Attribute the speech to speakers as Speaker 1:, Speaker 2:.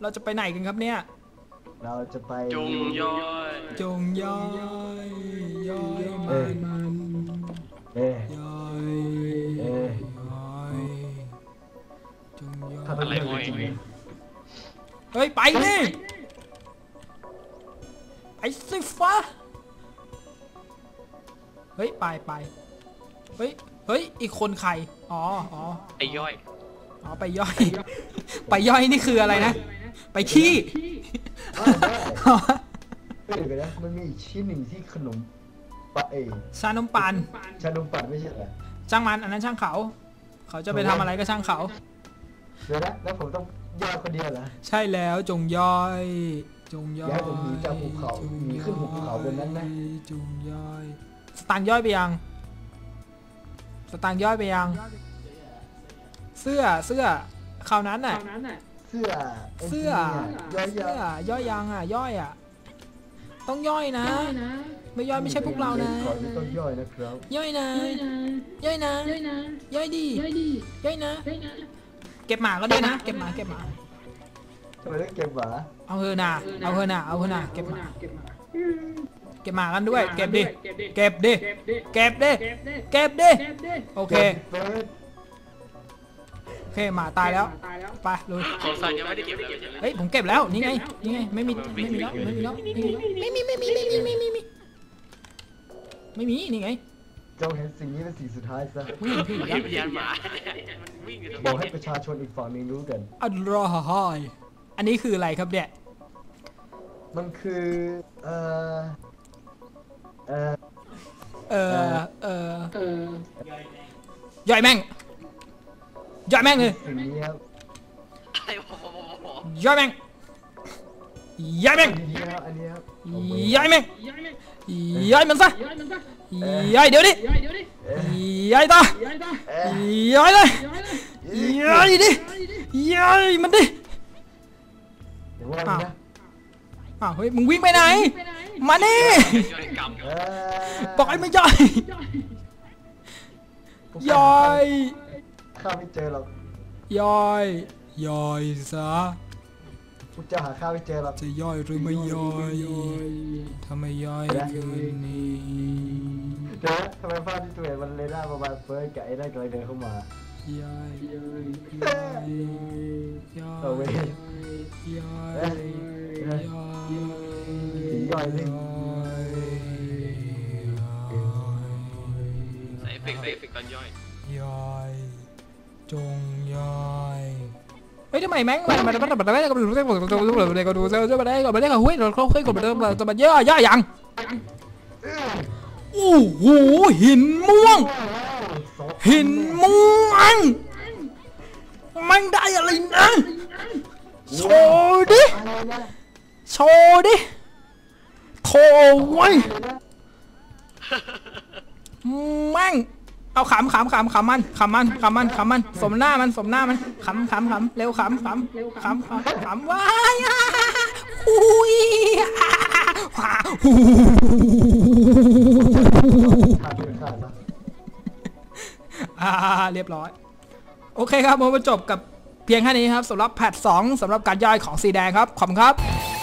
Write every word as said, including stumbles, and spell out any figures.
Speaker 1: เราจะไปไหนกันครับเนี่ย
Speaker 2: เราจะไป
Speaker 3: จงย่อย
Speaker 1: จงย่อยย่อยมัน
Speaker 2: เอ๊ะ
Speaker 1: ย่อย
Speaker 2: เอ๊ะ
Speaker 1: ย่อยจงย่อย
Speaker 3: อะไรวะ
Speaker 1: เฮ้ยไปนี่ไอ้สิฟ้าเฮ้ยไปไปเฮ้ยเฮ้ยอีกคนใครอ๋ออ๋อ
Speaker 3: ไอ้ย่อย
Speaker 1: อ๋อไปย่อยไปย่อยนี่คืออะไรนะไปขี้
Speaker 2: เดี๋ยวนะมันมีอีกชิ้นหนึ่งที่ขนมปะเอ
Speaker 1: ชานมปัง
Speaker 2: ชานมปังไม่ใช่เหรอ
Speaker 1: ช่างมันอันนั้นช่างเขาเขาจะไปทำอะไรก็ช่างเขา
Speaker 2: เดี๋ยวนะแล้วผมต้องย่อยคนเดียวเหรอ
Speaker 1: ใช่แล้วจงย่อยจงย่อย
Speaker 2: ย้ายผมหนีจากภูเขาหนีขึ้นภูเขาบนนั้นนะ
Speaker 1: จงย่อยสตางค์ย่อยไปยังสตางค์ย่อยไปยังเสื้อเสื้อคราวนั้นน่ะ
Speaker 2: เสื้อ
Speaker 1: เสื้อย่อยเสื้อย่อยยังอ่ะย่อยอ่ะต้องย่อยนะไม่ย่อยไม่ใช่พวกเรานะ
Speaker 2: ต้องย่อยนะครับ
Speaker 1: ย่อยนะย่อยนะย่อยดีย่อยนะเก็บหมาก็ได้นะเก็บหมาเก็บหมา
Speaker 2: ทำไมต้องเก็บหมา
Speaker 1: เอาเฮน่ะเอาเฮน่ะเอาเฮน่ะเก็บหมาเก็บหมากันด้วยเก็บดิเก็บดิเก็บดิเก็บดิโอเคโอเคหมาตายแล้วไปลุย
Speaker 3: ของสันยังไม่ได้เก็บเลย
Speaker 1: เฮ้ยผมเก็บแล้วนี่ไงนี่ไงไม่มีไม่มีแล้วไม่มีแล้วไม่มีไม่มีไม่มีไม่มีไม่มีไม่มีนี่ไง
Speaker 2: เจ้าเห็นสิ่งนี้เป็นสิ่งสุดท้ายซะ
Speaker 1: วิ่งพี่
Speaker 3: แล้วพยานหมา
Speaker 2: บอกให้ประชาชนอีกฝั่งนึงรู้กัน
Speaker 1: อัลลอฮ์อันนี้คืออะไรครับเนี่ย
Speaker 2: มันคือเอ่อเอ่อ
Speaker 1: เอ่อเอ่อย่อยแม่งย่อยแม่งเลยย่อยแม่งย่อยแม่งย่อยแม่งย่อยมันซะย่อยเดี๋ยวดิย่อยต่อย่อยเลยย่อยดิย่อยมันดิอ้าวอ้าวเฮ้ยมึงวิ่งไปไหนมานี่บอกให้ไม่ย่อยย่อย
Speaker 2: ข้าไม่เจอหรอก
Speaker 1: ย่อยย่อยซะ
Speaker 2: กูจะหาข้าไม่เจอหรอก
Speaker 1: จะย่อยหรือไม่ย่อยถ้าไม่ย่อยคืนนี้
Speaker 2: เดี๋ยวทำไมภาพที่ตัวเองมันเลยหน้าประมาณเฟิร์สกับไอ้ได้กำลังเดินเข้ามา
Speaker 1: ย่อยย่อยย่อยย่อยย่อย
Speaker 2: ย่อย
Speaker 3: ใส่เอฟเฟกต์ใส่เอฟเฟกต์ตอนย่อย
Speaker 1: ย่อยจงย่อยเฮ้ยทำไมแม่งมันมันมันมันไม่ได้ก็ดูได้ก็ดูได้ก็ดูได้ก็ดูได้ก็ไม่ได้ก็หุ้ยเราเขาเคยกดมาเดิมเราจะมาย่อย่อยังโอ้โหหินม่วงหินม่วงมันได้อะไรนะโชว์ดิโชว์ดิโถไว้แม่งเอาขำขำขำขำมันขำมันขำมันขำมันสมหน้ามันสมหน้ามันขำขำขำเร็วขำขำขำขำขำว้ายอุ้ยว้าฮูอ่าเรียบร้อยโอเคครับผมมาจบกับเพียงแค่นี้ครับสำหรับแพทสองสำหรับการย่อยของสีแดงครับขอบคุณครับ